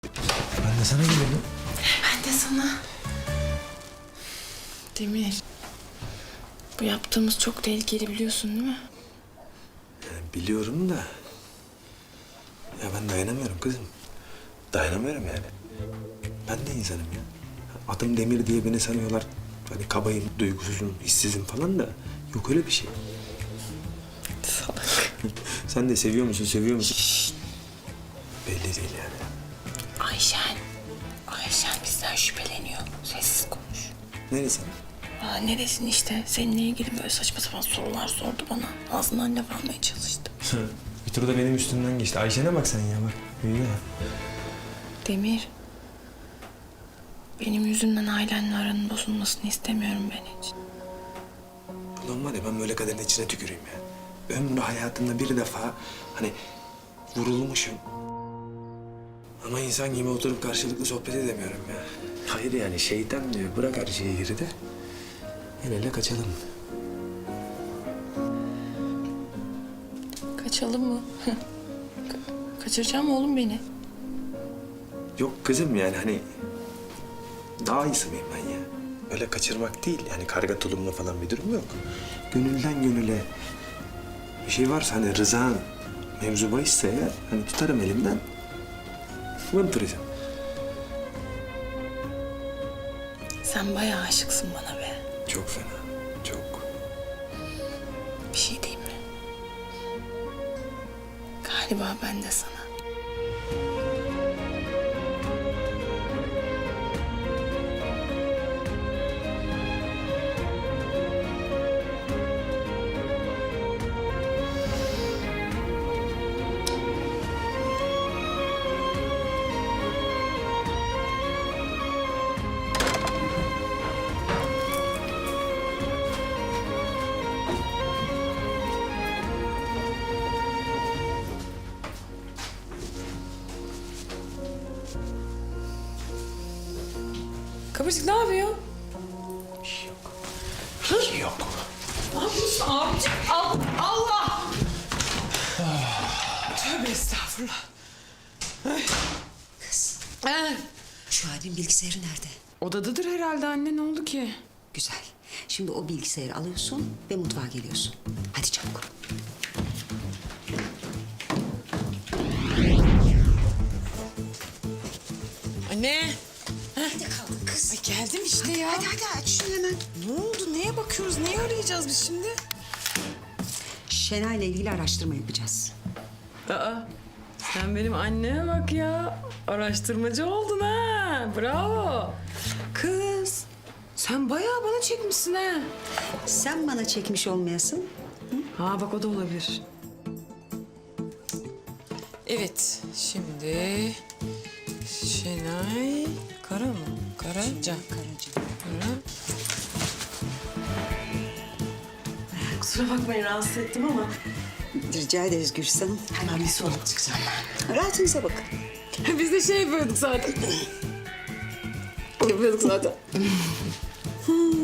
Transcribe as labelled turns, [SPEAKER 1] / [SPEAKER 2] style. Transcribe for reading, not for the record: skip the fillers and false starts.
[SPEAKER 1] Ben de sana gelirdim.
[SPEAKER 2] Ben de sana. Demir. Bu yaptığımız çok tehlikeli biliyorsun değil mi?
[SPEAKER 1] Yani biliyorum da... Ya ben dayanamıyorum kızım. Dayanamıyorum yani. Ben de insanım ya. Adım Demir diye beni sanıyorlar. Hani kabayım, duygusuzum, hissizim falan da... Yok öyle bir şey.
[SPEAKER 2] Salak.
[SPEAKER 1] Sen de seviyor musun, seviyor musun? Belli değil yani.
[SPEAKER 2] Ayşen bizden şüpheleniyor. Sessiz konuş.
[SPEAKER 1] Neresi?
[SPEAKER 2] Ne desin işte. Seninle ilgili böyle saçma sapan sorular sordu bana. Ağzından laf almaya çalıştı.
[SPEAKER 1] Bir tur da benim üstümden geçti. Ayşe'ne bak sen ya bak. Büyüdü ya.
[SPEAKER 2] Demir. Benim yüzümden ailenle aranın bozulmasını istemiyorum ben hiç.
[SPEAKER 1] Ulan var ya ben böyle kaderin içine tüküreyim ya. Ömrü hayatımda bir defa hani vurulmuşum. Ama insan gibi oturup karşılıklı sohbet edemiyorum ya. Hayır yani şeytan diyor bırak her şeyi geride. El ele kaçalım.
[SPEAKER 2] Kaçalım mı? Kaçıracağım oğlum beni.
[SPEAKER 1] Yok kızım yani hani daha iyisi miyim ben ya? Öyle kaçırmak değil yani karga tulumla falan bir durum yok. Gönülden gönüle bir şey varsa hani rızan mevzu bahisse eğer hani tutarım elimden. Vıntıracağım.
[SPEAKER 2] Sen bayağı aşıksın bana be.
[SPEAKER 1] Çok fena, çok.
[SPEAKER 2] Bir şey diyeyim mi? Galiba ben de sana. Kıvırcık ne yapıyor?
[SPEAKER 1] Bir şey yok. Bir şey yok.
[SPEAKER 2] Ne yapıyorsun abicim? Allah! Tövbe estağfurullah.
[SPEAKER 3] Kız,
[SPEAKER 2] Ee,
[SPEAKER 3] şu abim bilgisayarı nerede?
[SPEAKER 2] odadadır herhalde anne, ne oldu ki?
[SPEAKER 3] Güzel. Şimdi o bilgisayarı alıyorsun ve mutfağa geliyorsun. Hadi çabuk.
[SPEAKER 2] Anne!
[SPEAKER 3] Nerede kaldın kız?
[SPEAKER 2] Ay geldim işte ya.
[SPEAKER 3] Hadi aç şunu hemen.
[SPEAKER 2] Ne oldu? Neye bakıyoruz? Neyi arayacağız biz şimdi?
[SPEAKER 3] Şenay'la ilgili araştırma yapacağız.
[SPEAKER 4] Aa, sen benim anneme bak ya. Araştırmacı oldun ha. Bravo. Kız, sen bayağı bana çekmişsin ha.
[SPEAKER 3] Sen bana çekmiş olmayasın.
[SPEAKER 4] Ha bak o da olabilir. Evet, şimdi Şenay Kara mı? Karaca.
[SPEAKER 3] Karaca.
[SPEAKER 4] Kara.
[SPEAKER 5] Kusura bakmayın rahatsız ettim ama
[SPEAKER 3] Rica ederiz Gülsüm.
[SPEAKER 5] hemen bir su alıp çıkacağım ben.
[SPEAKER 3] Rahatınıza bakın.
[SPEAKER 4] Biz de şey yapıyorduk zaten. Yapıyorduk zaten.